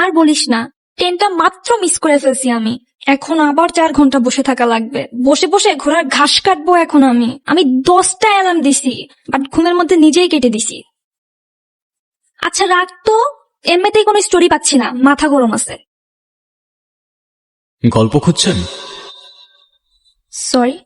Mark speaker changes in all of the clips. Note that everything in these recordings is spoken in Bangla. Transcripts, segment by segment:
Speaker 1: আর বলিস না, ট্রেনটা মাত্র মিস করে ফেলছি আমি। এখন আবার 4 ঘন্টা বসে থাকা লাগবে। বসে বসে ঘোড়ার ঘাস কাটবো এখন আমি 10টা অ্যালার্ম দিছি, বাট ঘুমের মধ্যে নিজেই কেটে দিছি। আচ্ছা রাখ তো, এমনিতেই কোনো স্টোরি পাচ্ছি না, মাথা গরম আছে।
Speaker 2: গল্প খুঁজছেন?
Speaker 1: সরি।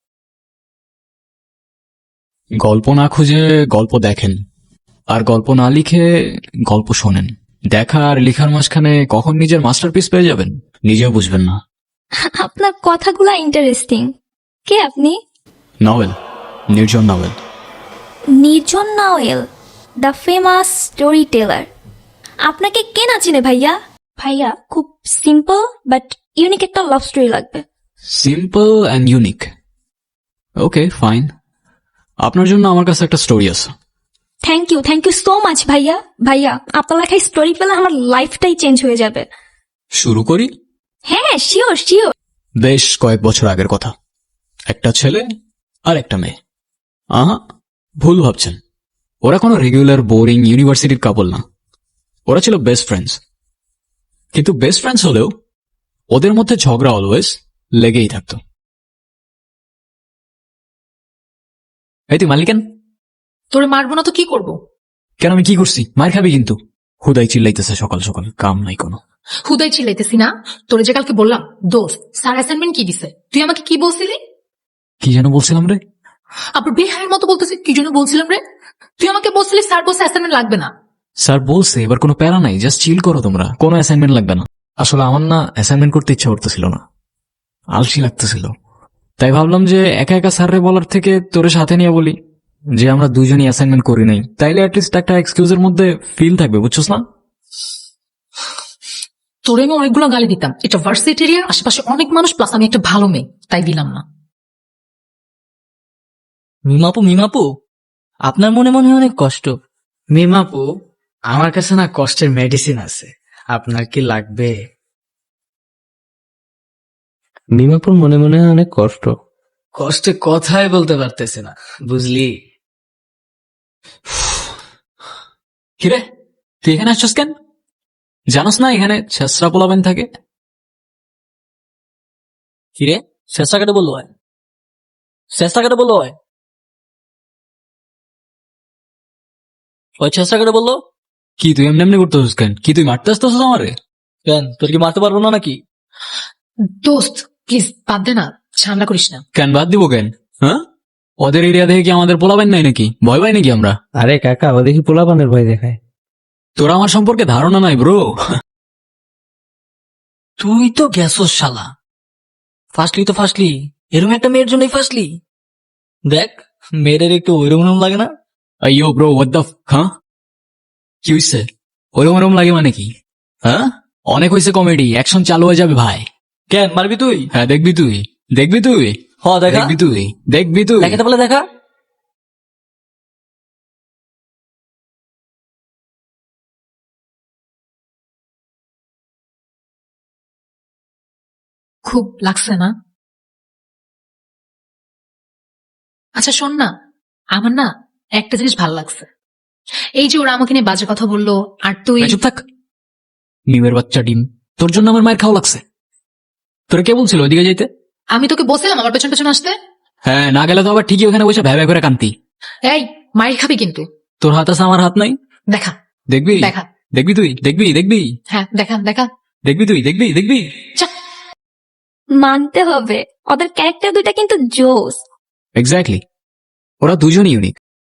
Speaker 2: গল্প না খুঁজে গল্প দেখেন, আর গল্প না লিখে গল্প শোনেন। দেখা আর লেখার মাঝখানে কখন নিজের মাস্টারপিস পেয়ে যাবেন নিজেও বুঝবেন না।
Speaker 1: আপনার কথাগুলা ইন্টারেস্টিং। কে আপনি?
Speaker 2: Novel, Nirjon novel.
Speaker 1: Nirjon novel, the famous story teller. আপনাকে কে না চিনে ভাইয়া? ভাইয়া খুব সিম্পল বাট ইউনিক একটা লাভ স্টোরি লাগবে।
Speaker 2: Simple and unique. Okay fine, আপনার জন্য আমার কাছে একটা স্টোরি আছে।
Speaker 1: থ্যাংক ইউ সো মাচ ভাইয়া। ভাইয়া আপনার লেখায় স্টোরি পেলে আমার লাইফটাই চেঞ্জ হয়ে যাবে।
Speaker 2: শুরু করি।
Speaker 1: হ্যাঁ শিওর শিওর।
Speaker 2: বেশ কয়েক বছর আগের কথা। একটা ছেলে আর একটা মেয়ে। আহা, ভুল ভাবছেন। ওরা কোনো রেগুলার বোরিং ইউনিভার্সিটির কাপল না। ওরা ছিল বেস্ট ফ্রেন্ডস। কিন্তু বেস্ট ফ্রেন্ডস হলেও ওদের মধ্যে ঝগড়া অলওয়েজ লেগেই থাকতো। এই তুই মালিকেন,
Speaker 3: তোরে মারবো না তো কি করবো?
Speaker 2: কেন আমি কি করছি? মার খাবি কিন্তু। হুদাই চিল্লাইতেছে সকাল সকাল, কাম নাই কোনো।
Speaker 3: হুদাই চিল্লাইতেছি না, তোরে যে কালকে বললাম দোস্ত স্যার অ্যাসাইনমেন্ট কি দিছে, তুই আমাকে কি বলছিলি?
Speaker 2: কি যেন বলছিলাম রে?
Speaker 3: আবার বেহায়ের মতো বলতেছি কি জন্য বলছিলাম রে? তুই আমাকে বলছিলি স্যার বলছে অ্যাসাইনমেন্ট লাগবে না।
Speaker 2: স্যার বলছে এবার কোনো প্যারা নাই, জাস্ট চিল করো তোমরা, কোনো অ্যাসাইনমেন্ট লাগবে না। আসলে আমার না অ্যাসাইনমেন্ট করতে ইচ্ছা করতেছিল না, আলসি লাগতেছিল। তাই ভাবলাম যে একা একা স্যাররে বলার থেকে তোরে সাথে নিয়ে বলি যে আমরা দুজনই অ্যাসাইনমেন্ট করি নাই, তাইলে অ্যাটলিস্ট একটা এক্সকিউজের মধ্যে ফিল থাকবে, বুঝছস না?
Speaker 3: তোরে আমি অনেকগুলো গালি দিতাম, এটা ভার্সিটি এরিয়া, আশেপাশে অনেক মানুষ, প্লাস আমি একটা ভালো মেয়ে, তাই দিলাম না।
Speaker 4: মিমাপু আপনার মনে মনে অনেক কষ্ট।
Speaker 5: মিমাপু, আমার কাছে না কষ্টের মেডিসিন আছে, আপনার কি লাগবে?
Speaker 4: মিমাপুর মনে মনে অনেক কষ্ট।
Speaker 5: কষ্টে কথাই বলতে পারতেছে না, বুঝলি?
Speaker 2: কিরে তুই এখানে আসছস কেন? জানোস না এখানে ছেসরা পোলাবেন থাকে?
Speaker 4: কিরে চেষ্টা কেটে বললো হয়, চেষ্টা কেটে বললো হয়, ওই চেষ্টা কেটে বললো
Speaker 2: কি তুই এমনি এমনি করতেছিস কেন? কি তুই মারতে আসতেছিস আমারে?
Speaker 4: কেন, তোর কি মারতে পারবো না নাকি?
Speaker 3: দোস্ত প্লিজ বাদ দে না, ঝামেলা করিস না।
Speaker 2: কেন বাদ দিব কেন? হ্যাঁ, ওদের এরিয়া দেখে কি আমাদের পোলাবেন নাই নাকি? ভয় পাই নাকি আমরা?
Speaker 4: আরে কাকা, ও দেখি পোলাপানের ভয় দেখায়।
Speaker 2: তোর আমার সম্পর্কে ধারণা নাই ব্রো।
Speaker 4: তুই তো গেছস শালা, ফার্স্টলি তো ফার্স্টলি, এরকম একটা মেয়ের জন্যই ফার্স্টলি। দেখ মেয়েদের একটু ওইরকম লাগে না?
Speaker 2: আইয়ো ব্রো, হোয়াট দ্য হ্যাঁ, কি হইছে? ওরম ওরম লাগে মানে কি? হ্যাঁ, অনেক হয়েছে কমেডি, অ্যাকশন চালু হয়ে যাবে ভাই।
Speaker 4: কেন মারবি তুই?
Speaker 2: হ্যাঁ দেখবি তুই, দেখবি তুই,
Speaker 4: হ দেখা,
Speaker 2: দেখবি তুই, দেখবি তুই।
Speaker 4: দেখাতে বলে দেখা।
Speaker 3: খুব লাগছে না? আচ্ছা শোন না, আমার না একটা জিনিস ভালো লাগছে, এই যে ওরা আমাকে নিয়ে বাজে কথা বললো, আর তুই
Speaker 2: চুপ থাক, মিমের বাচ্চা ডিম। তোর জন্য আমার মায়ের খাওয়া লাগছে। তোর কে বলছিল ওইদিকে যাইতে?
Speaker 3: আমি তোকে বলছিলাম আমার পেছন পেছন আসতে।
Speaker 2: হ্যাঁ, না গেলে তো আবার ঠিকই ওখানে বসে ভ্যা ভ্যা করে কান্তি।
Speaker 3: এই মাইর খাবি কিন্তু।
Speaker 2: তোর হাত আছে, আমার হাত নাই।
Speaker 3: দেখা
Speaker 2: দেখবি,
Speaker 3: দেখা,
Speaker 2: দেখবি তুই, দেখবি, দেখবি,
Speaker 3: হ্যাঁ দেখা দেখা।
Speaker 2: দেখবি তুই, দেখবি, দেখবি।
Speaker 1: মানতে হবে ওদের ক্যারেক্টার দুইটা কিন্তু জোস।
Speaker 2: এক্স্যাক্টলি, ওরা দুজনই ইউনিক।